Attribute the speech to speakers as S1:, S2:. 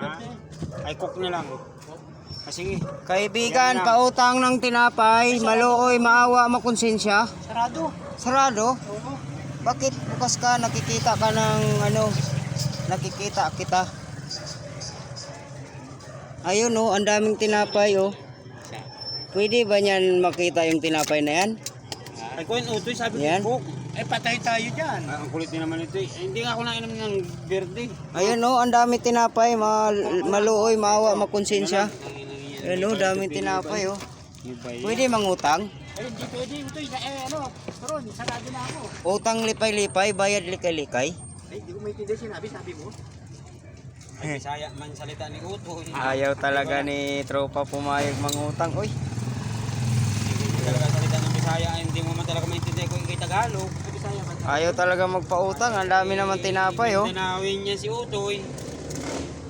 S1: Ay, cook na lang. Sige.
S2: Kaibigan, pautang ng tinapay, maluoy, maawa, makonsensya.
S1: Sarado.
S2: Sarado?
S1: Oo.
S2: Bakit bukas ka, nakikita ka ng ano, nakikita kita. Ayun oh, ang daming tinapay oh. Pwede ba niyan makita yung tinapay na yan?
S1: Ay, kung utoy, sabi
S2: Yan.
S1: ko, cook. Eh, patay tayo dyan. Ang kulit din naman ito. Hindi nga ako nainom ng verde.
S2: Ayun oh, ang dami tinapay, maluoy, maawa, makonsensya. Ayun oh, daming tinapay oh. Pwede mangutang?
S1: Eh, hindi pwede. Utoy, turon, sarado na ako.
S2: Utang lipay-lipay, bayad likay-likay.
S1: Ay, hindi ko maintindihan sabi mo. Ay, Bisaya man salita ni Utoy.
S2: Ayaw talaga ni tropa pumayag mangutang. Uy,
S1: Hindi talaga salita ng Bisaya. Hindi mo man talaga maintindihan kung ikay Tagalog. Ay, Bisaya man.
S2: ayaw talaga magpautang. Ang dami naman tinapay oh.
S1: Tinawin niya si Utoy.